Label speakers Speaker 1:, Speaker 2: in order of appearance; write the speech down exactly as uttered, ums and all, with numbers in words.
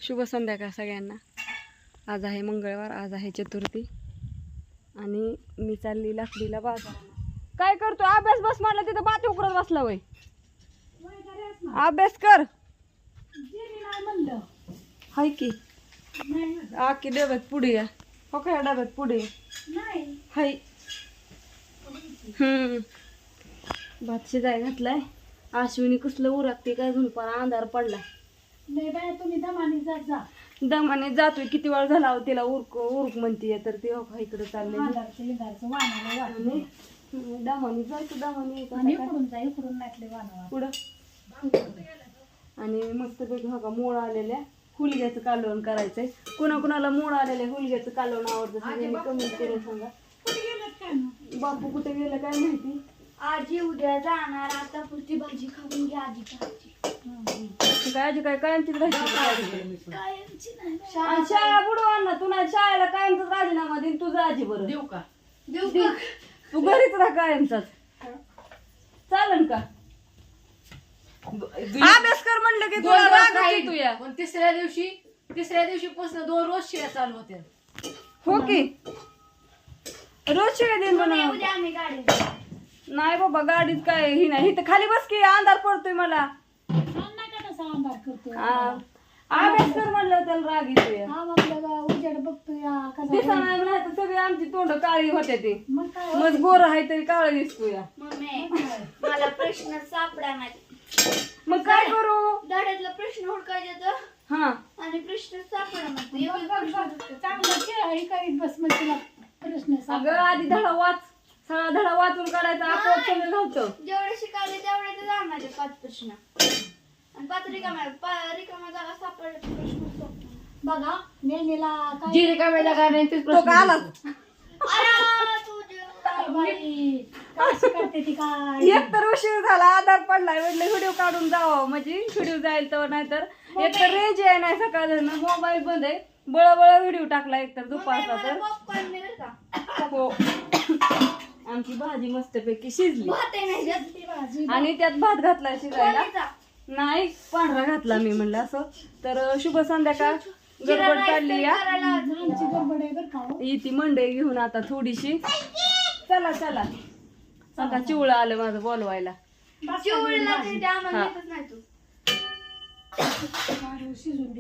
Speaker 1: शुभ संध्याकाळ सगळ्यांना. आज आहे मंगळवार, आज आहे चतुर्थी आणि मी चालली लाकडीला बाजार. काय करतो? अभ्यास बस म्हणलं तिथं बाती उकरत बसला वय. अभ्यास कर. हाय की आकी डब्यात पुढे या. हो काय डब्यात पुढे हाय. हम्म भात शिजाय घातलाय. अश्विनी कसलं उरकते काय घेऊन पण अंधार पडला.
Speaker 2: नाही बाय तुम्ही दमाने जात जा.
Speaker 1: दमाने जातोय. किती वेळ झाला हो तिला उरक उरक म्हणतीये तर ती हो इकडे चालले दमाने जायचं दमाने
Speaker 2: आणि इकडून जा इकडून नाटले वाना
Speaker 1: पुढं. आणि मस्त पैकी हो का मोळ आलेल्या हुलग्याचं कालवण करायचंय. कुणा कुणाला मोळ आलेल्या हुलग्याचं कालवण आवडतं सगळ्यांनी कमेंट करून सांगा. बापू कुठे गेलं काय माहिती.
Speaker 2: आजी उद्या जाणार. आता पुढची भाजी खाऊन घ्या आजी खायची.
Speaker 1: काय आजी काय कायमचीच राहायची.
Speaker 2: कायमची नाही.
Speaker 1: शाळा बुडवा ना. तू नाही शाळेला कायमचाच राजीनामा देईन. तुझं आजी बरं
Speaker 2: देऊ का? देऊ का?
Speaker 1: तू घरीच राहा कायमचाच. चालन का? अभ्यास कर म्हणलं की तुला राग येतो या.
Speaker 3: पण तिसऱ्या दिवशी तिसऱ्या दिवशी पासून दोन रोज शिव्या चालू होत्या.
Speaker 1: हो की रोज शिवाय देईन म्हणून.
Speaker 2: उद्या आम्ही गाडी
Speaker 1: नाही बाबा गाडीत काय ही नाही. इथं खाली बस की अंधार पडतोय मला.
Speaker 2: अंधार करतो.
Speaker 1: आ, अभ्यास कर म्हणलं त्याला राग येतोय.
Speaker 2: हा आपल्याला उजेड बघतोय कसा.
Speaker 1: दिसा नाही नाही तर सगळी आमची तोंड काळी होते ते.
Speaker 2: मग काय
Speaker 1: मग गोर आहे तरी काळ दिसतोय.
Speaker 2: मम्मी मला प्रश्न सापडा नाही.
Speaker 1: मग काय करू?
Speaker 2: धड्यातला प्रश्न हुडकायचा तर
Speaker 1: हा
Speaker 2: आणि प्रश्न सापडा नाही. चांगलं खेळ करीत बस मग तुला प्रश्न
Speaker 1: अगं आधी धडा वाच. सगळा धडा वाचून काढायचा. आपोआप सगळं नव्हतं.
Speaker 2: जेवढे शिकायले तेवढे ते जाणार आहे पाच प्रश्न. आणि पाच रिकाम्या रिकाम्या जागा सापडले प्रश्न सोडतो. बघा नेहमीला काय
Speaker 3: जी रिकाम्या जागा नाही तेच
Speaker 1: तो
Speaker 3: प्रश्न
Speaker 1: का आला?
Speaker 3: विचारतो.
Speaker 2: अरे तुझे काय बाई काय शिकवते ती काय.
Speaker 1: एक तर उशीर झाला आधार पडलाय म्हटलं व्हिडिओ काढून जावं म्हणजे व्हिडिओ जाईल तर नाही तर एक तर रेंज आहे नाही. सकाळ मोबाईल बंद आहे. बळबळ व्हिडिओ टाकला एक तर दुपारचा तर.
Speaker 2: पॉपकॉर्न मिळेल का?
Speaker 1: हो आमची भाजी मस्तपैकी शिजली
Speaker 2: भात आहे नाही जास्ती भाजी.
Speaker 1: आणि त्यात भात घातलाय शिजायला.
Speaker 2: कोणीचा?
Speaker 1: नाही पांढरा घातला मी म्हणलं असं. तर शुभ संध्याकाळ. गडबड काढली या.
Speaker 2: आमची गडबड आहे बरं का.
Speaker 1: इथे मंडई घेऊन आता थोडीशी. चला चला आता चिवळं आलं माझं बोलवायला.
Speaker 2: चिवळीला ते आम्हाला
Speaker 1: हा.
Speaker 2: येतच नाही तू. शिजून